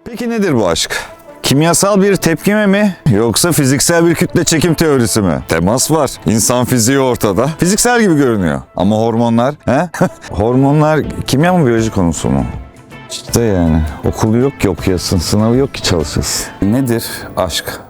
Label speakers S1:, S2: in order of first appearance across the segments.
S1: Peki nedir bu aşk? Kimyasal bir tepkime mi yoksa fiziksel bir kütle çekim teorisi mi? Temas var. İnsan fiziği ortada. Fiziksel gibi görünüyor. Ama hormonlar, he? Hormonlar kimya mı biyoloji konusu mu? İşte yani okulu yok ki okuyasın, sınavı yok ki çalışasın. Nedir aşk?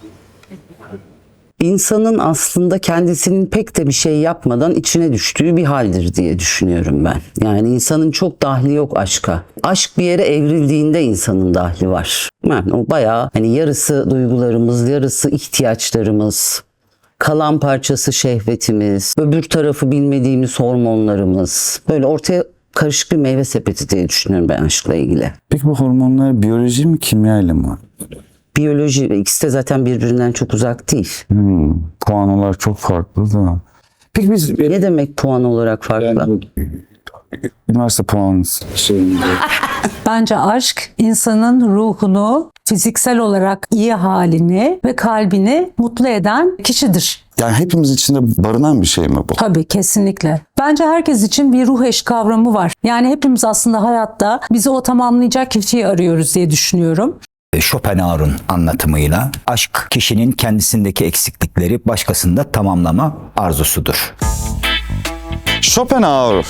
S2: İnsanın aslında kendisinin pek de bir şey yapmadan içine düştüğü bir haldir diye düşünüyorum ben. Yani insanın çok dahli yok aşka. Aşk bir yere evrildiğinde insanın dahli var. Yani o bayağı hani yarısı duygularımız, yarısı ihtiyaçlarımız, kalan parçası şehvetimiz, öbür tarafı bilmediğimiz hormonlarımız. Böyle ortaya karışık bir meyve sepeti diye düşünüyorum ben aşkla ilgili.
S1: Peki bu hormonlar biyoloji mi kimya ile mi?
S2: Biyoloji, ikisi de zaten birbirinden çok uzak değil.
S1: Puanolar çok farklı da. Peki biz
S2: Ne demek puan olarak farklı?
S1: yani, üniversite puanı şeyinde.
S3: Bence aşk insanın ruhunu, fiziksel olarak iyi halini ve kalbini mutlu eden kişidir.
S1: Yani hepimiz içinde barınan bir şey mi bu?
S3: Tabii, kesinlikle. Bence herkes için bir ruh eşi kavramı var. Yani hepimiz aslında hayatta bizi o tamamlayacak kişiyi arıyoruz diye düşünüyorum.
S4: Schopenhauer'un anlatımıyla aşk kişinin kendisindeki eksiklikleri başkasında tamamlama arzusudur.
S1: Schopenhauer.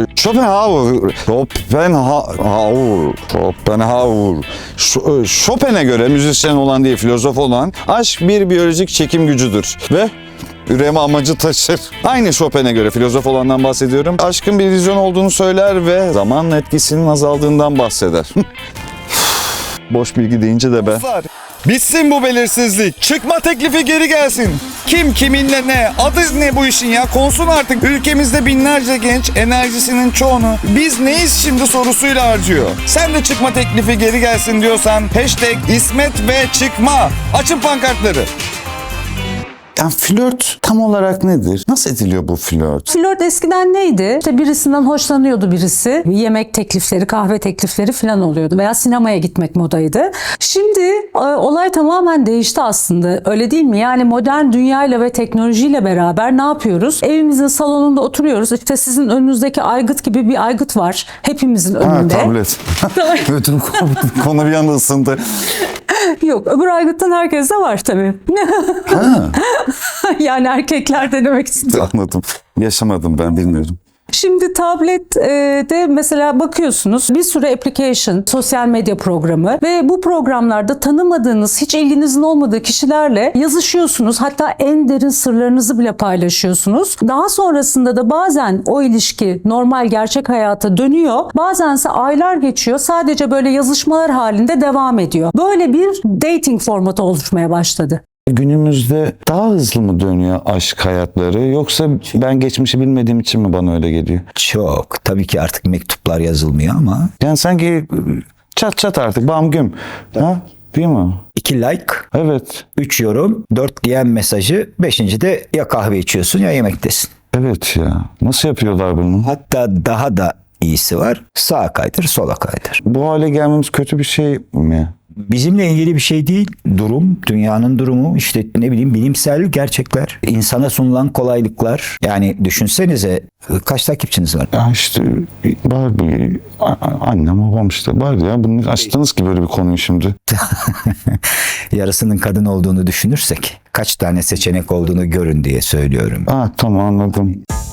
S1: Chopin'e göre müzisyen olan değil filozof olan aşk bir biyolojik çekim gücüdür ve üreme amacı taşır. Aynı Chopin'e göre filozof olandan bahsediyorum. Aşkın bir illüzyon olduğunu söyler ve zamanla etkisinin azaldığından bahseder. Boş bilgi deyince de be. Bitsin bu belirsizlik. Çıkma teklifi geri gelsin. Kim kiminle ne? Adı ne bu işin ya? Konsun artık. Ülkemizde binlerce genç enerjisinin çoğunu biz neyiz şimdi sorusuyla harcıyor. Sen de çıkma teklifi geri gelsin diyorsan hashtag İsmet ve çıkma. Açın pankartları. Yani flört tam olarak nedir? Nasıl ediliyor bu flört?
S3: Flört eskiden neydi? İşte birisinden hoşlanıyordu birisi. Yemek teklifleri, kahve teklifleri falan oluyordu. Veya sinemaya gitmek modaydı. Şimdi olay tamamen değişti aslında. Öyle değil mi? Yani modern dünyayla ve teknolojiyle beraber ne yapıyoruz? Evimizin salonunda oturuyoruz. İşte sizin önünüzdeki aygıt gibi bir aygıt var. Hepimizin önünde.
S1: Tablet. Bütün konu bir anda ısındı.
S3: Yok, öbür aygıttan herkeste var tabii. Yani erkekler denemek istiyor.
S1: Anladım. Yaşamadım ben bilmiyorum.
S3: Şimdi tablette mesela bakıyorsunuz bir sürü application, sosyal medya programı ve bu programlarda tanımadığınız, hiç ilginizin olmadığı kişilerle yazışıyorsunuz. Hatta en derin sırlarınızı bile paylaşıyorsunuz. Daha sonrasında da bazen o ilişki normal gerçek hayata dönüyor. Bazense aylar geçiyor. Sadece böyle yazışmalar halinde devam ediyor. Böyle bir dating formatı oluşmaya başladı.
S1: Günümüzde daha hızlı mı dönüyor aşk hayatları yoksa ben geçmişi bilmediğim için mi bana öyle geliyor?
S4: Çok. Tabii ki artık mektuplar yazılmıyor ama
S1: Yani sanki çat çat artık bam güm. Ha? Değil mi?
S4: 2 like,
S1: Evet.
S4: 3 yorum, 4 DM mesajı, 5. de ya kahve içiyorsun ya yemektesin.
S1: Evet ya. Nasıl yapıyorlar bunu?
S4: Hatta daha da iyisi var. Sağa kaydır, sola kaydır.
S1: Bu hale gelmemiz kötü bir şey mi?
S4: Bizimle ilgili bir şey değil. Durum, dünyanın durumu, işte ne bileyim bilimsel gerçekler, insana sunulan kolaylıklar. Yani düşünsenize kaç takipçiniz var?
S1: Ya işte var bir annem babam işte var ya. Bunu açtınız ki böyle bir konuyu şimdi.
S4: Yarısının kadın olduğunu düşünürsek kaç tane seçenek olduğunu görün diye söylüyorum.
S1: Tamam anladım.